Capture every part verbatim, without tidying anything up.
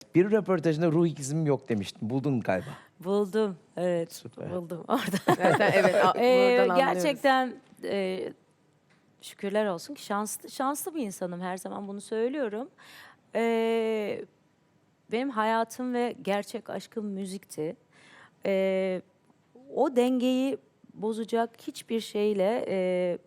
Bir röportajında ruh ikizim yok demiştin. Buldun galiba. Buldum. Evet. Süper. Buldum orada. Zaten evet, a- Ee, buradan anlıyoruz. gerçekten e, şükürler olsun ki şanslı şanslı bir insanım. Her zaman bunu söylüyorum. Ee, benim hayatım ve gerçek aşkım müzikti. Ee, o dengeyi bozacak hiçbir şeyle e,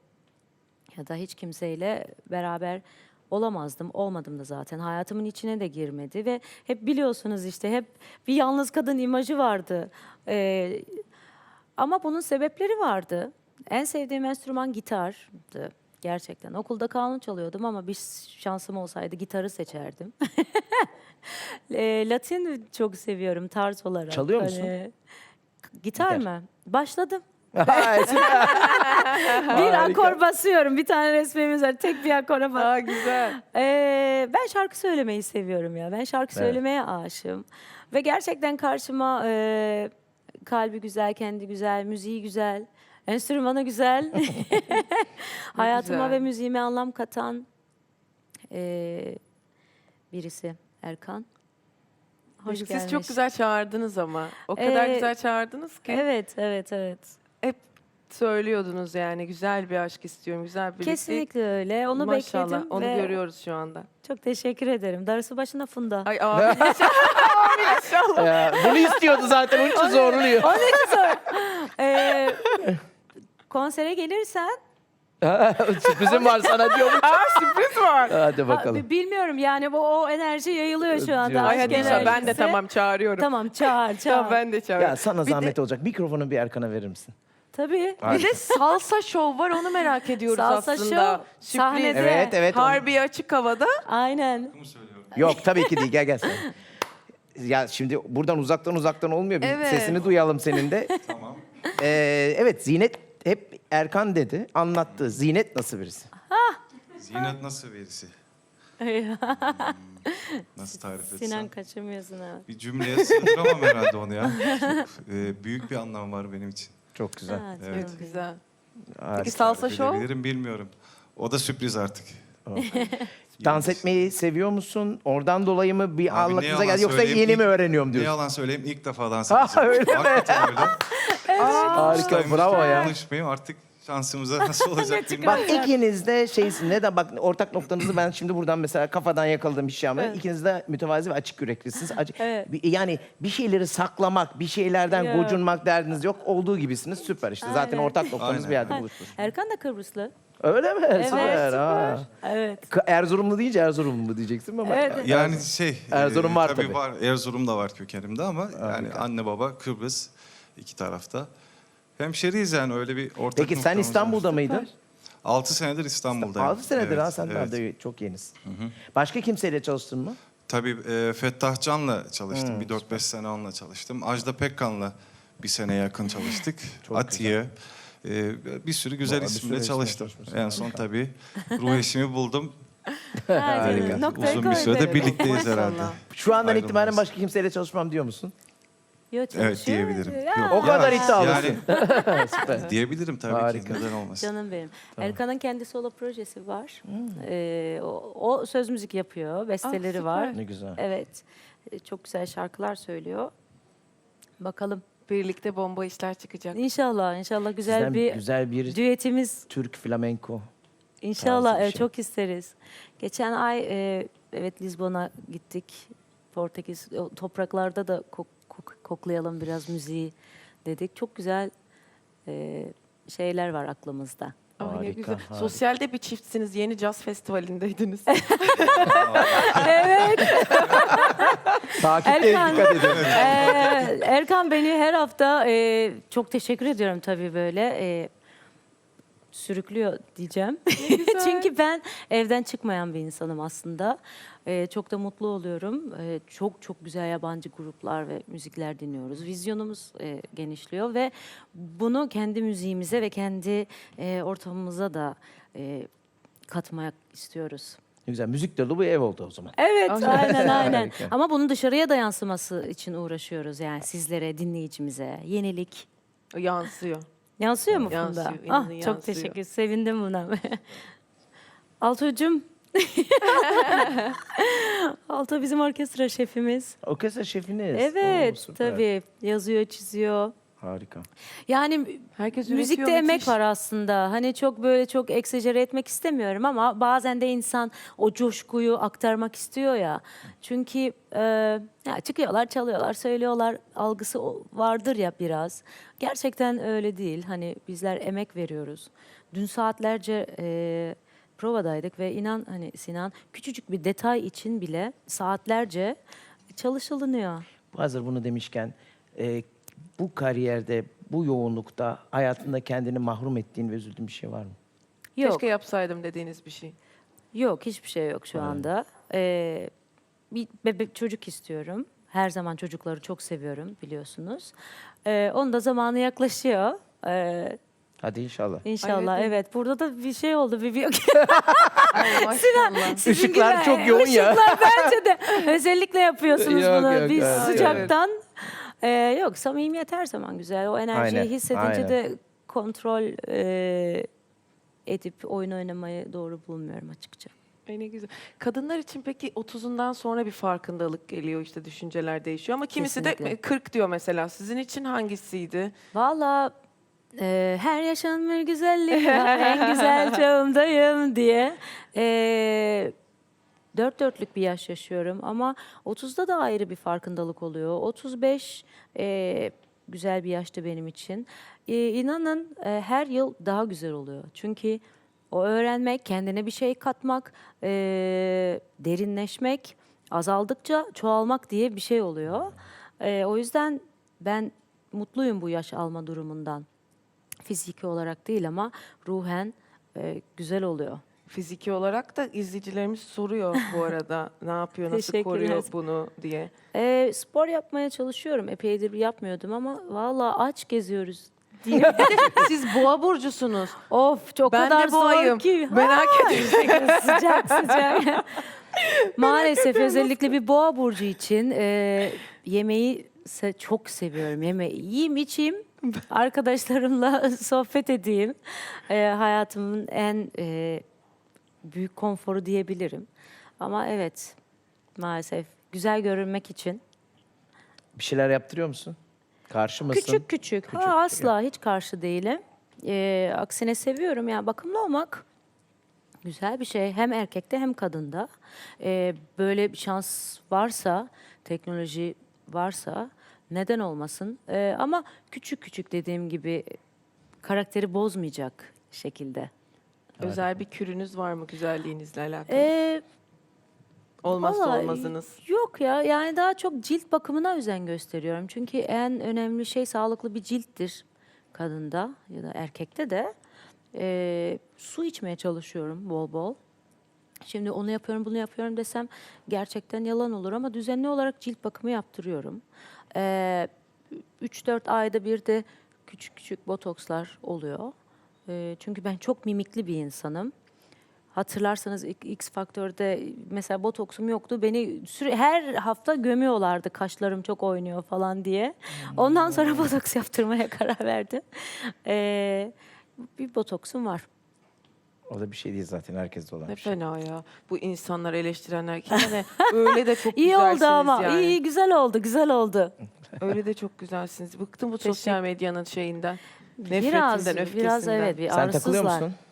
ya da hiç kimseyle beraber olamazdım. Olmadım da zaten. Hayatımın içine de girmedi ve hep biliyorsunuz işte hep bir yalnız kadın imajı vardı. Ee, ama bunun sebepleri vardı. En sevdiğim enstrüman gitardı. Gerçekten. Okulda kanun çalıyordum ama bir şansım olsaydı gitarı seçerdim. E, Latin çok seviyorum tarz olarak. Çalıyor musun? Hani, gitar, Gitar. mı? Başladım. Ay, süper. Bir Harika. akor basıyorum. Bir tane resmimiz var. Tek bir akora bas. Aa, güzel. Ee, ben şarkı söylemeyi seviyorum ya. Ben şarkı Evet. söylemeye aşığım. Ve gerçekten karşıma e, kalbi güzel, kendi güzel, müziği güzel, enstrümanı güzel. Hayatıma güzel. ve müziğime anlam katan e, birisi Erkan. Hoş Siz gelmiş. çok güzel çağırdınız ama. O kadar Ee, güzel çağırdınız ki. Evet, evet, evet. Hep söylüyordunuz yani güzel bir aşk istiyorum, güzel bir birlikte. Kesinlikle öyle. Onu Maşallah, bekledim onu ve görüyoruz şu anda. çok teşekkür ederim. Darısı başına Funda. Ay abi inşallah. Ya, bunu istiyordu zaten. Onun için zorluyor. Onun için sor. Ee, konsere gelirsen Sürprizim var sana diyormuş. Aa, sürpriz var. Hadi ha, bakalım. bilmiyorum yani bu o enerji yayılıyor şu anda. Diyorsun. Ay aşk hadi inşallah ben de enerjisi. tamam çağırıyorum. Tamam çağır çağır. Tamam ben de çağırıyorum. Ya sana Bir de- zahmet olacak. Mikrofonu bir Erkan'a verir misin? Tabii. Bir de salsa şov var onu merak ediyoruz Salsa aslında. show, Sürpriz. sahnede. Evet evet. onu- Harbi açık havada. Aynen. Yok tabii ki değil. Gel gel sen. Ya şimdi buradan uzaktan uzaktan olmuyor. Bir Evet. sesini duyalım senin de. Tamam. Ee, evet Zinet hep Erkan dedi. Anlattı. Zinet nasıl birisi? Zinet nasıl birisi? Nasıl tarif etsem? Sinan kaçırmıyorsun ha. Bir cümleye sığdıramam herhalde onu ya. Çok e, büyük bir anlam var benim için. Çok güzel. Ha, Evet. çok Çok güzel. Harika. Peki salsa Tarif şov? edebilirim bilmiyorum. O da sürpriz artık. Dans etmeyi seviyor musun? Oradan dolayı mı bir Abi Allah ne kıza yalan geldi yoksa söyleyeyim, yeni ilk- mi öğreniyorum Ne diyorsun? yalan söyleyeyim ilk defa dans Ha, edeceğim. öyle mi? Hakikaten öyle. Harika Ustaymış bravo gibi ya. Konuşmayayım artık şansımıza nasıl olacak bilmiyorum. Bak ikiniz de şeysin. Neden? Bak ortak noktanızı ben şimdi buradan mesela kafadan yakaladım bir şey ama Evet. ikiniz de mütevazi ve açık yüreklisiniz. Acı- Evet. Bir- Yani bir şeyleri saklamak, bir şeylerden Ya. gocunmak derdiniz yok. Olduğu gibisiniz. Süper işte. Zaten Aynen. ortak noktanız Aynen. bir yerde Ha, buluşmuş. Erkan da Kıbrıslı. Öyle mi? Evet, Süper. Ha. Evet. K- Erzurumlu deyince Erzurumlu diyeceksin ama. Evet. Yani şey, Erzurum e, var tabii, tabii. var. Erzurum da var kökenimde ama yani Harika. anne baba Kıbrıs iki tarafta. Hemşeriyiz yani öyle bir ortak Peki sen noktamız İstanbul'da var. mıydın? Altı senedir İstanbul'dayım. altı senedir Evet, ha sen evet. de çok yenisin. Başka kimseyle çalıştın mı? Tabii e, Fettah Can'la çalıştım. Hmm, bir dört beş sene onunla çalıştım. Ajda Pekkan'la bir sene yakın çalıştık. Çok Atiye. E, bir sürü güzel Vallahi bir sürü isimle isimle çalıştım. çalışmışsın. En son tabii ruh eşimi buldum. Harika. E, Noktayı uzun bir koy sürede derim. birlikteyiz Maşallah. herhalde. Şu andan Ayrılmaz. itibaren başka kimseyle çalışmam diyor musun? Yo, Evet, çalışıyor. diyebilirim. Ya. Yok. O kadar Yani- iddialısın. Yani Süper. diyebilirim tabii Harika. ki. Neden olmasın? Canım benim. Erkan'ın kendi solo projesi var. Ee, o, o söz müzik yapıyor, besteleri süper. var. Ne güzel. Evet. Ee, Çok güzel şarkılar söylüyor. Bakalım. Birlikte bomba işler çıkacak. İnşallah, inşallah güzel Sizden bir güzel bir düetimiz. Türk flamenko. İnşallah tarzı bir evet, şey. çok isteriz. Geçen ay e, evet Lizbon'a gittik. Portekiz o topraklarda da kok- kok- koklayalım biraz müziği dedik. Çok güzel e, şeyler var aklımızda. Ay ne Harika, güzel. harika. Sosyalde bir çiftsiniz. Yeni caz festivalindeydiniz. Takipte Erkan. dikkat edin. Ee, Erkan beni her hafta e, çok teşekkür ediyorum tabii böyle e, sürüklüyor diyeceğim. Çünkü ben evden çıkmayan bir insanım aslında. E, çok da mutlu oluyorum. E, çok çok güzel yabancı gruplar ve müzikler dinliyoruz. Vizyonumuz e, genişliyor ve bunu kendi müziğimize ve kendi e, ortamımıza da e, katmak istiyoruz. Ne güzel. Müzik dolu bir ev oldu o zaman. Evet, aynen aynen. Harika. Ama bunun dışarıya da yansıması için uğraşıyoruz yani sizlere, dinleyicimize. Yenilik. O yansıyor. Yansıyor mu Funda? Yansıyor, Ah, inanın çok yansıyor. teşekkür, sevindim buna. Altuğ'cum, Alto bizim orkestra şefimiz. Orkestra şefiniz. Evet, Oo, süper. tabii. Yazıyor, çiziyor. Harika. Yani Herkes müzikte üretiyor, emek müthiş. var aslında. Hani çok böyle çok egzajere etmek istemiyorum ama bazen de insan o coşkuyu aktarmak istiyor ya. Çünkü e, ya çıkıyorlar, çalıyorlar, söylüyorlar algısı o- vardır ya biraz. Gerçekten öyle değil. Hani bizler emek veriyoruz. Dün saatlerce e, provadaydık ve inan hani Sinan küçücük bir detay için bile saatlerce çalışılınıyor. Hazır bunu demişken e, bu kariyerde, bu yoğunlukta hayatında kendini mahrum ettiğin ve üzüldüğün bir şey var mı? Yok. Keşke yapsaydım dediğiniz bir şey. Yok, hiçbir şey yok şu anda. Ee, bir bebek çocuk istiyorum. Her zaman çocukları çok seviyorum biliyorsunuz. Ee, onun da zamanı yaklaşıyor. Ee, Hadi inşallah. inşallah evet. evet. Burada da bir şey oldu. Bir, bir... Ay maşallah. Işıklar çok yoğun ya. Işıklar bence de. Özellikle yapıyorsunuz Yok, bunu. yok, Biz evet, sıcaktan. Ee, yok, samimiyet her zaman güzel. O enerjiyi Aynen, hissedince aynen. de kontrol e, edip oyun oynamayı doğru bulmuyorum açıkça. Ay ne güzel. Kadınlar için peki otuzundan sonra bir farkındalık geliyor, işte düşünceler değişiyor ama kimisi Kesinlikle. de kırk diyor mesela. Sizin için hangisiydi? Valla e, her yaşam bir güzellik var, en güzel çağımdayım diye. E, dört dörtlük bir yaş yaşıyorum ama otuzda da ayrı bir farkındalık oluyor. otuz beş e, güzel bir yaştı benim için. E, inanın e, her yıl daha güzel oluyor. Çünkü o öğrenmek, kendine bir şey katmak, e, derinleşmek, azaldıkça çoğalmak diye bir şey oluyor. E, o yüzden ben mutluyum bu yaş alma durumundan. Fiziki olarak değil ama ruhen e, güzel oluyor. Fiziki olarak da izleyicilerimiz soruyor bu arada. Ne yapıyor, nasıl Teşekkür koruyor ederiz. bunu diye. E, spor yapmaya çalışıyorum. Epeydir yapmıyordum ama valla aç geziyoruz diyeyim. Siz boğa burcusunuz. Of çok Ben kadar de boğayım. zor ki. Merak Ha, işte sıcak sıcak. Maalesef özellikle bir boğa burcu için e, yemeği se- çok seviyorum. Yemeği yiyeyim içeyim. Arkadaşlarımla sohbet edeyim. E, hayatımın en e, büyük konforu diyebilirim. Ama evet maalesef güzel görünmek için. Bir şeyler yaptırıyor musun? Karşı mısın? Küçük küçük. Küçük, ha, asla hiç karşı değilim. Ee, aksine seviyorum. Yani bakımlı olmak güzel bir şey. Hem erkekte hem kadında. Ee, böyle bir şans varsa, teknoloji varsa neden olmasın? Ee, ama küçük küçük dediğim gibi karakteri bozmayacak şekilde. Özel bir kürünüz var mı güzelliğinizle alakalı? Ee, Olmazsa Vallahi olmazınız. Yok ya, yani daha çok cilt bakımına özen gösteriyorum. Çünkü en önemli şey sağlıklı bir cilttir kadında ya da erkekte de. Ee, su içmeye çalışıyorum bol bol. Şimdi onu yapıyorum, bunu yapıyorum desem gerçekten yalan olur ama düzenli olarak cilt bakımı yaptırıyorum. Ee, üç dört ayda bir de küçük küçük botokslar oluyor. Ee, çünkü ben çok mimikli bir insanım. Hatırlarsanız X X Faktör'de mesela botoksum yoktu. Beni süre, her hafta gömüyorlardı kaşlarım çok oynuyor falan diye. Ondan sonra botoks yaptırmaya karar verdim. Ee, bir botoksum var. O da bir şey değil zaten, herkeste olan Ne bir şey. fena ya. Bu insanlar eleştirenler kendine öyle de çok İyi güzelsiniz oldu ama. yani. İyi, iyi, güzel oldu, güzel oldu. Öyle de çok güzelsiniz. Bıktım bu Teşekkür- sosyal medyanın şeyinden. Nefretinden, Biraz, öfkesinden. biraz evet, bir Sen takılıyor arızsızlar. musun?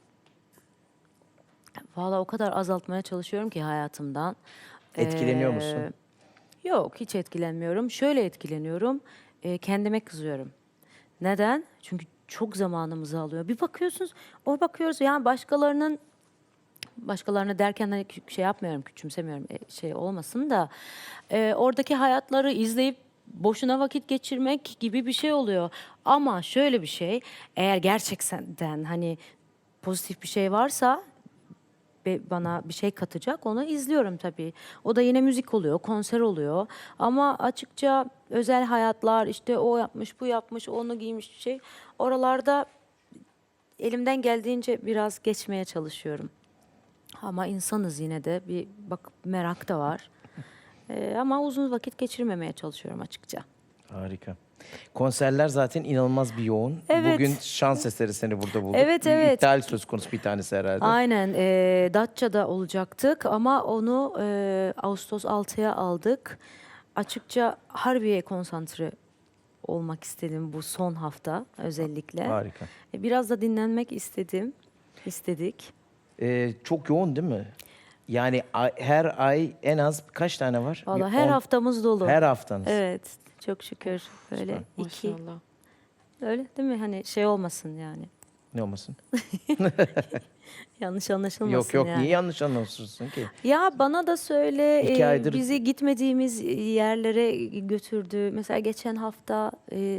Valla o kadar azaltmaya çalışıyorum ki hayatımdan. Etkileniyor Ee, musun? Yok, hiç etkilenmiyorum. Şöyle etkileniyorum, e, kendime kızıyorum. Neden? Çünkü çok zamanımızı alıyor. Bir bakıyorsunuz, o bakıyoruz yani başkalarının, başkalarını derken hani kü- şey yapmıyorum, küçümsemiyorum, e, şey olmasın da e, oradaki hayatları izleyip boşuna vakit geçirmek gibi bir şey oluyor. Ama şöyle bir şey, eğer gerçekten hani pozitif bir şey varsa be- bana bir şey katacak, onu izliyorum tabii. O da yine müzik oluyor, konser oluyor. Ama açıkça özel hayatlar, işte o yapmış, bu yapmış, onu giymiş şey, oralarda elimden geldiğince biraz geçmeye çalışıyorum. Ama insanız yine de, bir bak merak da var. Ee, ama uzun vakit geçirmemeye çalışıyorum açıkça. Harika. Konserler zaten inanılmaz bir yoğun. Evet. Bugün şans eseri seni burada bulduk. Evet, Bir evet. İptal söz konusu bir tanesi herhalde. Aynen. E, Datça'da olacaktık ama onu e, Ağustos altıya aldık. Açıkça Harbiye'ye konsantre olmak istedim bu son hafta özellikle. Harika. E, Biraz da dinlenmek istedim. istedik. Ee, çok yoğun değil mi? Yani ay- her ay en az kaç tane var? Valla Bir her on- haftamız dolu. Her haftanız. Evet, çok şükür. Böyle iki. Maşallah. Öyle değil mi? Hani şey olmasın yani. Ne olmasın? Yanlış anlaşılmasın Yok yok yani. niye yanlış anlaşılsın ki? Ya bana da söyle, İki e, aydır- bizi gitmediğimiz yerlere götürdü. Mesela geçen hafta e,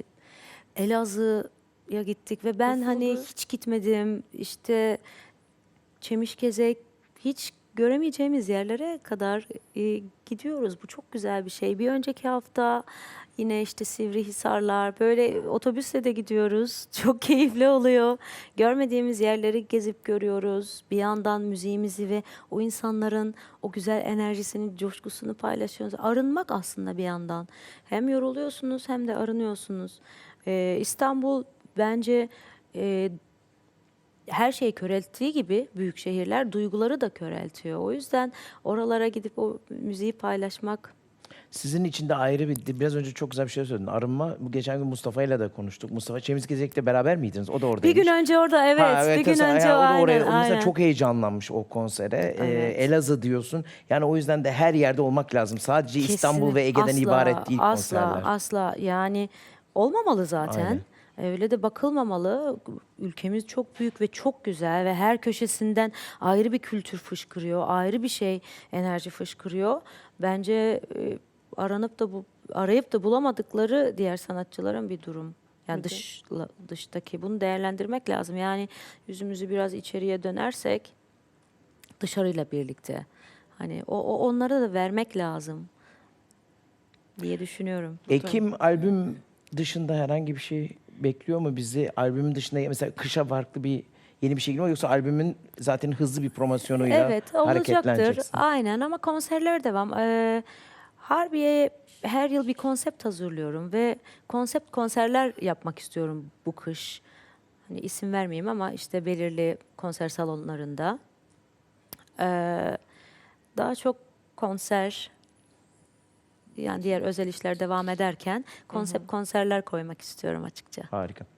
Elazığ'a gittik ve ben hani Nasıldı? hiç gitmedim. İşte Çemişgezek, hiç göremeyeceğimiz yerlere kadar e, gidiyoruz. Bu çok güzel bir şey. Bir önceki hafta yine işte Sivrihisarlar, böyle otobüsle de gidiyoruz. Çok keyifli oluyor. Görmediğimiz yerleri gezip görüyoruz. Bir yandan müziğimizi ve o insanların o güzel enerjisini, coşkusunu paylaşıyoruz. Arınmak aslında bir yandan. Hem yoruluyorsunuz hem de arınıyorsunuz. Ee, İstanbul bence e, her şeyi körelttiği gibi büyük şehirler duyguları da köreltiyor. O yüzden oralara gidip o müziği paylaşmak. Sizin için de ayrı bir, biraz önce çok güzel bir şey söyledin. Arınma, bu geçen gün Mustafa ile de konuştuk. Mustafa Çemizgezek'le beraber miydiniz? O da Bir oradaymış. gün önce orada evet, Ha, bir gün mesela önce yani o o da aynen, oraya, o mesela aynen. çok heyecanlanmış o konsere. Ee, Evet. Elazığ diyorsun. Yani o yüzden de her yerde olmak lazım. Sadece İstanbul ve Ege'den Kesinlikle. ibaret değil asla, konserler. Asla, asla. Yani olmamalı zaten. Aynen. Öyle de bakılmamalı. Ülkemiz çok büyük ve çok güzel ve her köşesinden ayrı bir kültür fışkırıyor, ayrı bir şey enerji fışkırıyor. Bence e, aranıp da bu arayıp da bulamadıkları diğer sanatçıların bir durum. Yani Peki. dış dıştaki bunu değerlendirmek lazım. Yani yüzümüzü biraz içeriye dönersek dışarıyla birlikte hani o, o onlara da vermek lazım diye düşünüyorum. Ekim albüm dışında herhangi bir şey bekliyor mu bizi? Albümün dışında mesela kışa farklı bir yeni bir şey geliyor mu? Yoksa albümün zaten hızlı bir promosyonuyla Evet, olacaktır. hareketleneceksin. Aynen ama konserler devam. Ee, Harbiye'ye her yıl bir konsept hazırlıyorum ve konsept konserler yapmak istiyorum bu kış. Hani isim vermeyeyim ama işte belirli konser salonlarında. Ee, daha çok konser, yani diğer özel işler devam ederken konsept konserler koymak istiyorum açıkça. Harika.